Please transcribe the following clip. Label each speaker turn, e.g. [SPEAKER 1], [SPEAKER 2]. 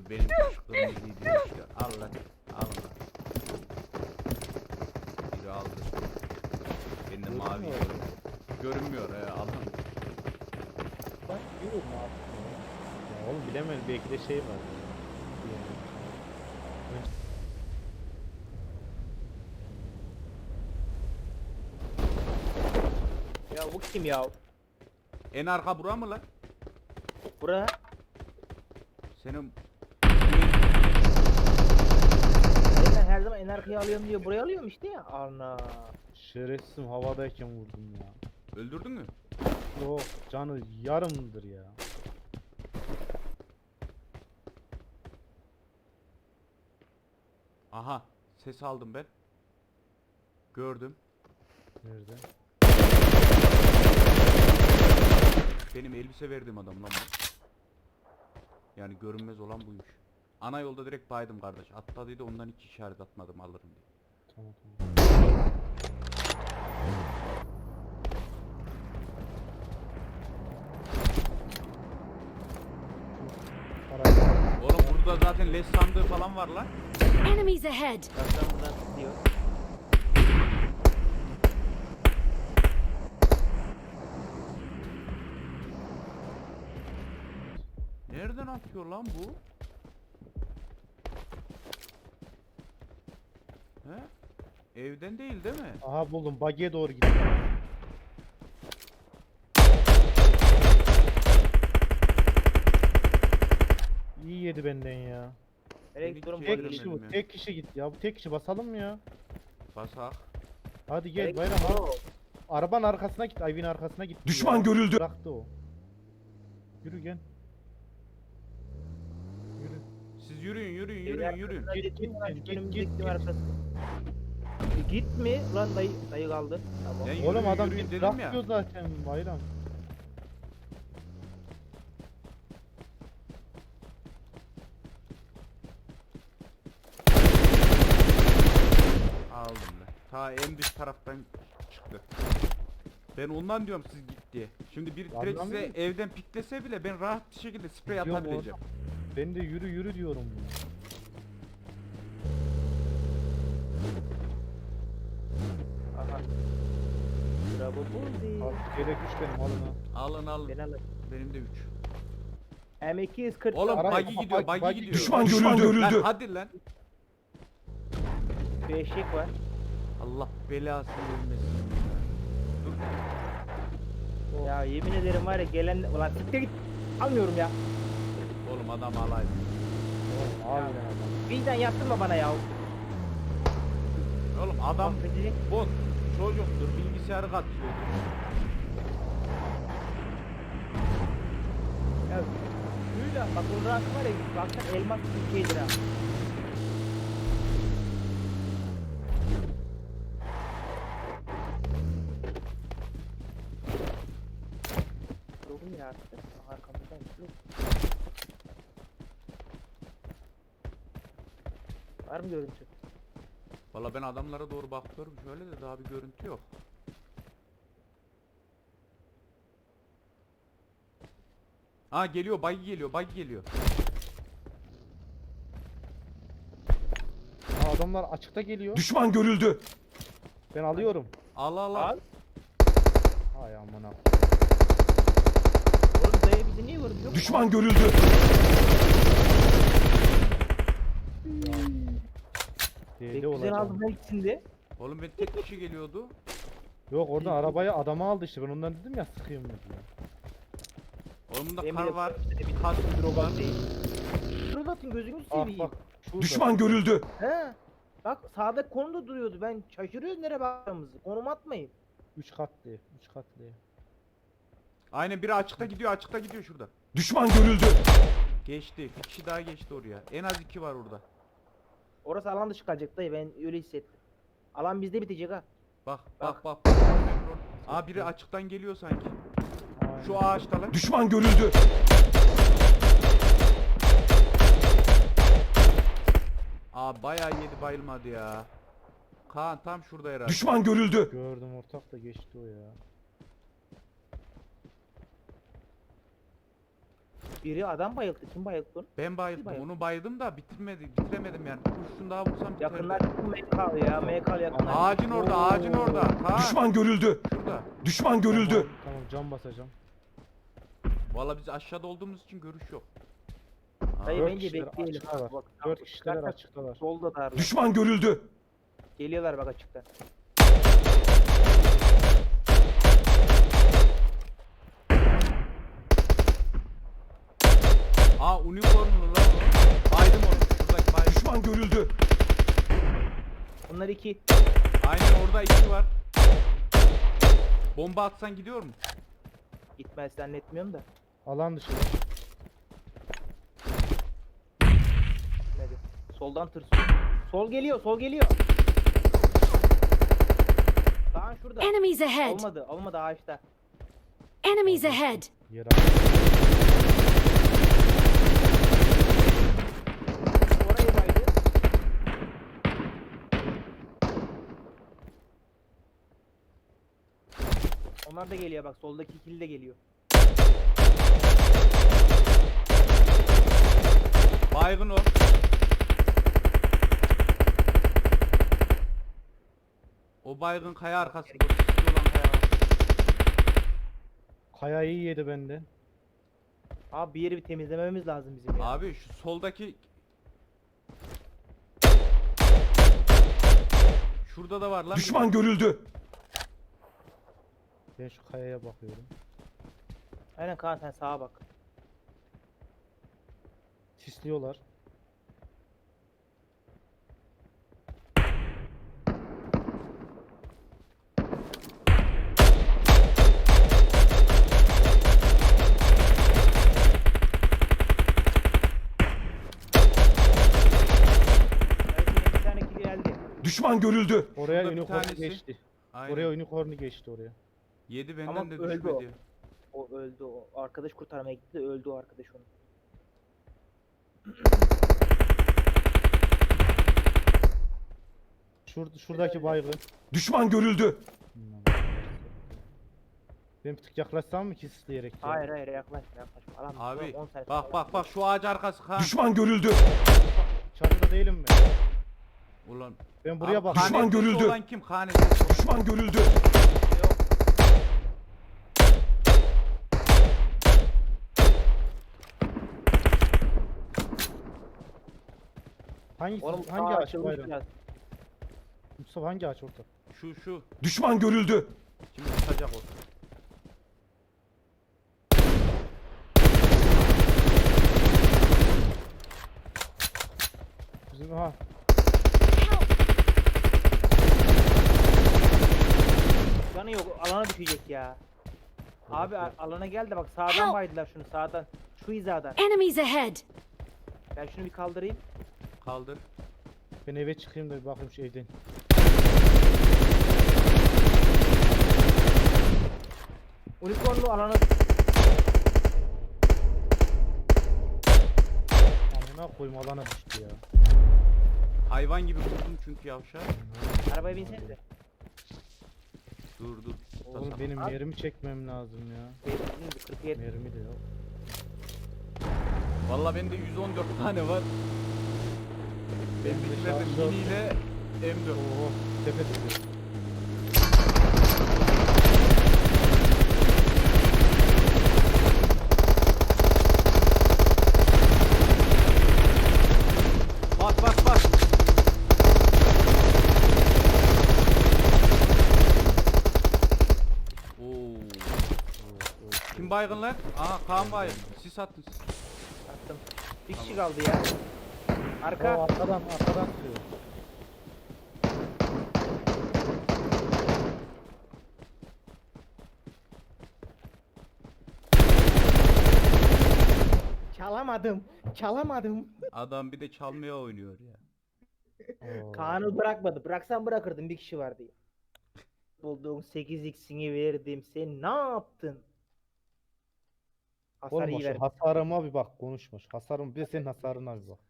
[SPEAKER 1] Benim kırmızıyı diyor işte. Al lan. Al lan. Biri aldı. Benim de mavi
[SPEAKER 2] Görünmüyor.
[SPEAKER 1] görünmüyor. Alın.
[SPEAKER 2] Ben diyorum abi. Ya oğlum bilemedim, belki de şey var.
[SPEAKER 3] Ya bu kim ya?
[SPEAKER 1] En arka bura mı lan?
[SPEAKER 3] Bura.
[SPEAKER 1] Senin
[SPEAKER 3] Ben her zaman en arkaya alıyorum diyor. Buraya alıyorum işte ya. Ana.
[SPEAKER 2] Şerefsizim, havadayken vurdum ya.
[SPEAKER 1] öldürdün mü?
[SPEAKER 2] Yok, canı yarımdır ya.
[SPEAKER 1] Aha. Ses aldım ben. Gördüm.
[SPEAKER 2] Nerede?
[SPEAKER 1] Benim elbise verdiğim adam lan bu. Yani görünmez olan buymuş. Ana yolda direkt baydım kardeş. Atladıydı, ondan hiç işaret atmadım alırım diye.
[SPEAKER 2] Tamam tamam. Parayı
[SPEAKER 1] Oğlum burada zaten leş sandığı falan var lan.
[SPEAKER 4] Enemies ahead!
[SPEAKER 3] Arkamızdan tutuyor.
[SPEAKER 1] Nereden atıyor lan bu? He? Evden değil mi?
[SPEAKER 2] Aha buldum, buggy'e doğru gidiyor. İyi yedi benden ya.
[SPEAKER 3] Nereye
[SPEAKER 1] Beni
[SPEAKER 3] gidiyorum?
[SPEAKER 1] çeviremedim.
[SPEAKER 2] Tek kişi bu,
[SPEAKER 1] ya.
[SPEAKER 2] tek kişi git ya. Bu tek kişi, basalım mı ya?
[SPEAKER 1] Basak.
[SPEAKER 2] Hadi gel bayram abi. Arabanın arkasına git, Ayvin arkasına git.
[SPEAKER 5] Düşman
[SPEAKER 2] ya.
[SPEAKER 5] görüldü.
[SPEAKER 2] Bıraktı o. Yürü gel. Yürü.
[SPEAKER 1] Siz yürüyün yürüyün.
[SPEAKER 2] Git, git, git, git.
[SPEAKER 3] Git mi? Ulan dayı kaldı. Tamam.
[SPEAKER 1] Ben
[SPEAKER 2] Oğlum
[SPEAKER 1] yürüyün,
[SPEAKER 2] adam
[SPEAKER 1] yürüyün
[SPEAKER 2] bir
[SPEAKER 1] dedim
[SPEAKER 2] bırakıyor
[SPEAKER 1] ya.
[SPEAKER 2] zaten bayram.
[SPEAKER 1] Aldım lan. Ta en dış taraftan çıktı. Ben ondan diyorum siz git diye. Şimdi bir direkt size
[SPEAKER 2] Anlamıyorum.
[SPEAKER 1] evden piklese bile ben rahat bir şekilde sprey
[SPEAKER 2] Yok
[SPEAKER 1] atabileceğim.
[SPEAKER 2] Ben de yürü yürü diyorum.
[SPEAKER 3] Aha. Bravo buldu.
[SPEAKER 2] Al, yedek güç benim, alın ha.
[SPEAKER 1] Alın alın.
[SPEAKER 3] Ben alırım.
[SPEAKER 1] Benim de 3.
[SPEAKER 3] M240.
[SPEAKER 1] Oğlum
[SPEAKER 2] Ara-
[SPEAKER 1] buggy gidiyor,
[SPEAKER 2] buggy
[SPEAKER 1] buggy gidiyor.
[SPEAKER 5] Düşman
[SPEAKER 1] Lan
[SPEAKER 5] görüldü.
[SPEAKER 1] hadi lan.
[SPEAKER 3] Bir eşek var.
[SPEAKER 1] Allah belasını vermesin. Dur.
[SPEAKER 3] Ya yemin ederim var ya gelen... Ulan siktir git. Almıyorum ya.
[SPEAKER 1] Oğlum adam alaydı.
[SPEAKER 2] Oğlum harbiden adam.
[SPEAKER 3] Vicdan yaptırma bana ya.
[SPEAKER 1] Oğlum adam
[SPEAKER 3] Affedecek.
[SPEAKER 1] bot çocuktur, bilgisayarı katıyordur.
[SPEAKER 3] Ya şuyla bak o rahat var ya baksana elmas bir şeydir ha. Doğru ya artık. Arkamızdan yok. Var mı görüntü?
[SPEAKER 1] Valla ben adamlara doğru bakıyorum şöyle de daha bir görüntü yok. Ha geliyor, buggy geliyor, buggy geliyor.
[SPEAKER 2] Ha, adamlar açıkta geliyor.
[SPEAKER 5] Düşman görüldü.
[SPEAKER 2] Ben alıyorum.
[SPEAKER 1] Al al al.
[SPEAKER 3] Al.
[SPEAKER 2] Hay amına.
[SPEAKER 3] Oğlum dayı bizi niye vurdu? Yok.
[SPEAKER 5] Düşman görüldü.
[SPEAKER 3] Pek
[SPEAKER 2] Deli
[SPEAKER 3] güzel
[SPEAKER 2] olacağım.
[SPEAKER 3] aldım ben ikisinde.
[SPEAKER 1] Oğlum ben tek kişi geliyordu.
[SPEAKER 2] Yok, oradan arabaya adamı aldı işte, ben ondan dedim ya sıkayım mı diye.
[SPEAKER 1] Oğlum bunda
[SPEAKER 3] Yemin
[SPEAKER 1] kar
[SPEAKER 3] ederim
[SPEAKER 1] var.
[SPEAKER 3] işte bir
[SPEAKER 1] Kas
[SPEAKER 3] drogat değil. Drogat'ın gözünü
[SPEAKER 2] Ah
[SPEAKER 3] seveyim.
[SPEAKER 2] bak. Şurada.
[SPEAKER 5] Düşman görüldü.
[SPEAKER 3] He. Bak sağda konumda duruyordu. Ben şaşırıyoruz nereye baktığımızı. Konum atmayın.
[SPEAKER 2] 3 katlı. 3 katlı.
[SPEAKER 1] Aynen biri açıkta gidiyor şurada.
[SPEAKER 5] Düşman görüldü.
[SPEAKER 1] Geçti. Bir kişi daha geçti oraya. En az 2 var orada.
[SPEAKER 3] Orası alan dışı kalacak dayı ben öyle hissettim. Alan bizde bitecek ha.
[SPEAKER 1] Bak
[SPEAKER 3] Bak.
[SPEAKER 1] bak. Aa biri açıktan geliyor sanki.
[SPEAKER 2] Aynen.
[SPEAKER 1] Şu ağaçta lan.
[SPEAKER 5] Düşman görüldü.
[SPEAKER 1] Aa bayağı yedi bayılmadı ya. Kaan tam şurada herhalde.
[SPEAKER 5] Düşman görüldü.
[SPEAKER 2] Gördüm, ortak da geçti o ya.
[SPEAKER 3] Biri adam bayıldı. Kim bayıldı onu?
[SPEAKER 1] Ben bayıldım.
[SPEAKER 3] bayıldı.
[SPEAKER 1] Onu bayıldım da bitiremedim yani. Kurşun daha vursam biterdi.
[SPEAKER 3] Yakınlar MK'lı ya. MK'lı yakınlar.
[SPEAKER 1] Ağacın orada, ağacın orada. Kaan.
[SPEAKER 5] Düşman görüldü.
[SPEAKER 1] Şurada.
[SPEAKER 5] Düşman görüldü.
[SPEAKER 2] Tamam, tamam cam basacağım.
[SPEAKER 1] Valla biz aşağıda olduğumuz için görüş yok.
[SPEAKER 3] Dayı
[SPEAKER 2] Dört
[SPEAKER 3] bence
[SPEAKER 2] kişiler
[SPEAKER 3] bekleyelim.
[SPEAKER 2] açıktalar.
[SPEAKER 3] Bak,
[SPEAKER 2] 4 kişiler
[SPEAKER 3] zaten
[SPEAKER 2] açıktalar.
[SPEAKER 3] Solda darlar.
[SPEAKER 5] Düşman görüldü.
[SPEAKER 3] Geliyorlar bak açıktan.
[SPEAKER 1] Unicornlu lan o. Baydım onu. Şuradaki baydım.
[SPEAKER 5] Düşman görüldü.
[SPEAKER 3] Onlar iki.
[SPEAKER 1] Aynen orada iki var. Bomba atsan gidiyor mu?
[SPEAKER 3] Gitmez zannetmiyorum da.
[SPEAKER 2] Alan dışı.
[SPEAKER 3] Gitmedi. Soldan tırsıyor. Sol geliyor, sol geliyor. Daha şurada.
[SPEAKER 4] Enemies ahead!
[SPEAKER 3] Olmadı, olmadı ağaçta.
[SPEAKER 4] Enemies ahead!
[SPEAKER 2] Yer
[SPEAKER 3] Orayı baydı. Onlar da geliyor bak, soldaki ikili de geliyor.
[SPEAKER 1] Baygın o. O baygın kaya arkası. O sisli olan kaya arkası.
[SPEAKER 2] Kayayı yedi benden.
[SPEAKER 3] Abi bir yeri bir temizlememiz lazım bizim ya.
[SPEAKER 1] Abi şu soldaki... Şurada da var lan.
[SPEAKER 5] Düşman görüldü.
[SPEAKER 2] Ben şu kayaya bakıyorum.
[SPEAKER 3] Aynen Kaan sen sağa bak.
[SPEAKER 2] Sisliyorlar.
[SPEAKER 3] Belki bir tane kill geldi.
[SPEAKER 5] Düşman görüldü.
[SPEAKER 2] Oraya
[SPEAKER 1] Şurada bir
[SPEAKER 2] unicorn
[SPEAKER 1] tanesi.
[SPEAKER 2] geçti.
[SPEAKER 1] Aynen.
[SPEAKER 2] Oraya unicorn geçti oraya.
[SPEAKER 1] Yedi benden
[SPEAKER 3] Ama
[SPEAKER 1] de
[SPEAKER 3] öldü o.
[SPEAKER 1] düşmedi.
[SPEAKER 3] O öldü o. Arkadaş kurtarmaya gitti de öldü o arkadaş onu.
[SPEAKER 2] Şuradaki baygın.
[SPEAKER 5] Düşman görüldü.
[SPEAKER 2] Ben bir tık yaklaşsam mı ki sisleyerek? ya?
[SPEAKER 3] Hayır hayır yaklaşma yaklaşma. Alan
[SPEAKER 1] Abi
[SPEAKER 3] 10 saniye
[SPEAKER 1] bak
[SPEAKER 3] sonra
[SPEAKER 1] bak bak şu ağaç arkası kan.
[SPEAKER 5] Düşman görüldü.
[SPEAKER 2] Çatıda değilim mi?
[SPEAKER 1] Ulan.
[SPEAKER 2] Ben buraya
[SPEAKER 1] Abi,
[SPEAKER 2] bak.
[SPEAKER 5] Düşman
[SPEAKER 1] kanetesi
[SPEAKER 5] görüldü.
[SPEAKER 1] olan kim? Kanetesi olan.
[SPEAKER 5] Düşman görüldü.
[SPEAKER 3] Yok.
[SPEAKER 2] Hangi
[SPEAKER 3] Oğlum
[SPEAKER 2] hangi
[SPEAKER 3] sağa
[SPEAKER 2] ağaç
[SPEAKER 3] açılmış
[SPEAKER 2] bayram?
[SPEAKER 3] biraz.
[SPEAKER 2] Mustafa hangi ağaç orada?
[SPEAKER 1] Şu.
[SPEAKER 5] Düşman görüldü.
[SPEAKER 1] Şimdi tutacak o.
[SPEAKER 2] Bizim ha.
[SPEAKER 3] Canı yok alana düşecek ya. Abi alana gel de bak sağdan
[SPEAKER 4] Help!
[SPEAKER 3] baydılar şunu sağdan. Şu hizadan.
[SPEAKER 4] Enemies ahead!
[SPEAKER 3] Ben şunu bir kaldırayım.
[SPEAKER 1] Kaldır.
[SPEAKER 2] Ben eve çıkayım da bir bakayım şu evden.
[SPEAKER 3] Unicornlu alana
[SPEAKER 2] Amına koyayım alana düştü ya.
[SPEAKER 1] Hayvan gibi vurdum çünkü yavşağı.
[SPEAKER 3] arabaya binsenize.
[SPEAKER 1] Dur.
[SPEAKER 2] Oğlum benim yerimi çekmem lazım ya.
[SPEAKER 3] 47.
[SPEAKER 2] Mermi de yok.
[SPEAKER 1] Valla bende 114 tane var. Ben
[SPEAKER 2] Benim de
[SPEAKER 1] bitirdim
[SPEAKER 2] şarjör-
[SPEAKER 1] mini ile M4.
[SPEAKER 2] Oo, tepe tepe.
[SPEAKER 1] Bak. Oo. Kim baygın lan? Aa Kaan baygın. Sis attın siz.
[SPEAKER 3] Attım. Bir kişi kaldı ya. Arka.
[SPEAKER 2] O arkadan sürüyor.
[SPEAKER 3] Çalamadım.
[SPEAKER 1] Adam bir de çalmaya oynuyor ya.
[SPEAKER 2] Oo.
[SPEAKER 3] Kaan'ı bırakmadı. Bıraksan bırakırdım bir kişi var diye. Bulduğun 8x'ini verdim. Sen ne yaptın? Hasar
[SPEAKER 2] Oğlum
[SPEAKER 3] iyi
[SPEAKER 2] şu
[SPEAKER 3] verdim.
[SPEAKER 2] hasarıma bir bak konuşmuş. Hasarım bir de senin hasarına bir bak.